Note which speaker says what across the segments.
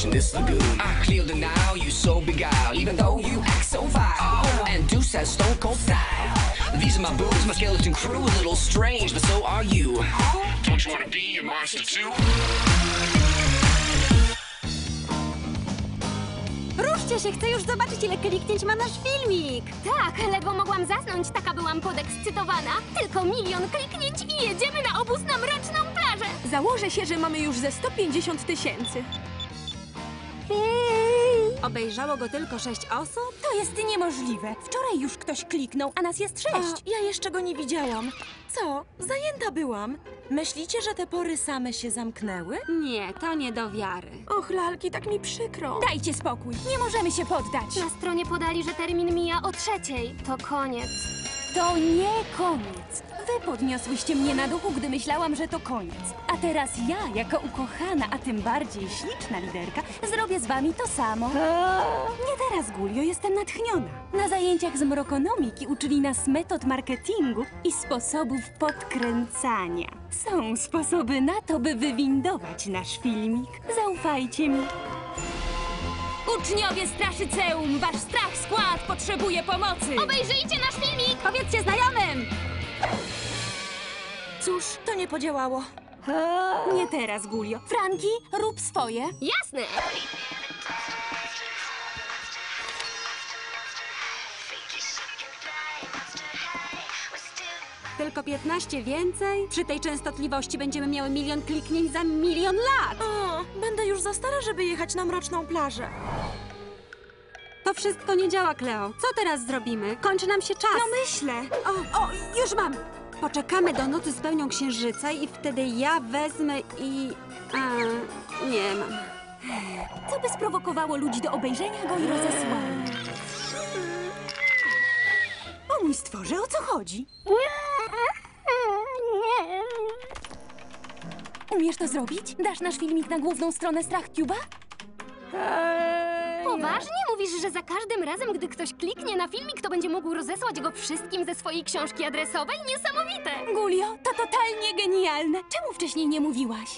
Speaker 1: in this lagoon. I clear the now, you so beguiled, even though you act so vile. And Deuce has stone cold style. These are my boobs, my skeleton crew, a little strange, but so are you. Don't you wanna be a monster too?
Speaker 2: Ruszcie się, chcę już zobaczyć, ile kliknięć ma nasz filmik.
Speaker 3: Tak, ledwo mogłam zasnąć, taka byłam podekscytowana. Tylko 1 000 000 kliknięć i jedziemy na obóz na Mroczną Plażę.
Speaker 2: Założę się, że mamy już ze 150 000. Obejrzało go tylko 6 osób? To jest niemożliwe. Wczoraj już ktoś kliknął, a nas jest 6.
Speaker 4: Ja jeszcze go nie widziałam. Co? Zajęta byłam. Myślicie, że te pory same się zamknęły?
Speaker 2: Nie, to nie do wiary.
Speaker 4: Och, lalki, tak mi przykro.
Speaker 2: Dajcie spokój, nie możemy się poddać.
Speaker 3: Na stronie podali, że termin mija o 3:00. To koniec.
Speaker 2: To nie koniec. Wy podniosłyście mnie na duchu, gdy myślałam, że to koniec. A teraz ja, jako ukochana, a tym bardziej śliczna liderka, zrobię z wami to samo. Nie teraz, Gulio, jestem natchniona. Na zajęciach z mrokonomiki uczyli nas metod marketingu i sposobów podkręcania. Są sposoby na to, by wywindować nasz filmik. Zaufajcie mi. Uczniowie Straszyceum, wasz strach skład potrzebuje pomocy.
Speaker 3: Obejrzyjcie nasz filmik!
Speaker 2: Powiedzcie znajomym!
Speaker 4: Cóż, to nie podziałało.
Speaker 2: Nie teraz, Gulio. Franki, rób swoje.
Speaker 3: Jasne!
Speaker 2: Tylko 15 więcej? Przy tej częstotliwości będziemy miały 1 000 000 kliknięć za 1 000 000 lat.
Speaker 4: O, będę już za stara, żeby jechać na Mroczną Plażę.
Speaker 2: To wszystko nie działa, Kleo. Co teraz zrobimy? Kończy nam się czas.
Speaker 4: No myślę.
Speaker 2: O, już mam. Poczekamy do nocy z pełnią księżyca i wtedy ja wezmę i... nie mam. Co by sprowokowało ludzi do obejrzenia go i rozesłania? O mój stworze, o co chodzi? Umiesz to zrobić? Dasz nasz filmik na główną stronę StrachTube'a?
Speaker 3: Poważnie mówisz, że za każdym razem, gdy ktoś kliknie na filmik, to będzie mógł rozesłać go wszystkim ze swojej książki adresowej? Niesamowite!
Speaker 2: Gulio, to totalnie genialne. Czemu wcześniej nie mówiłaś?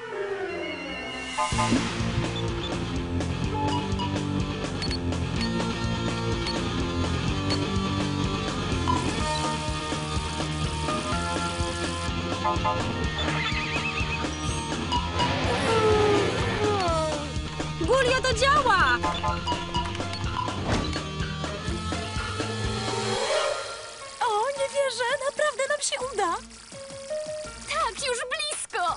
Speaker 2: Gulio, to działa!
Speaker 4: O, nie wierzę, naprawdę nam się uda.
Speaker 3: Tak, już blisko!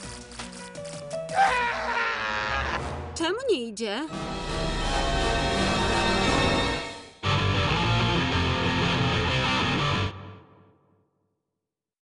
Speaker 2: Czemu nie idzie?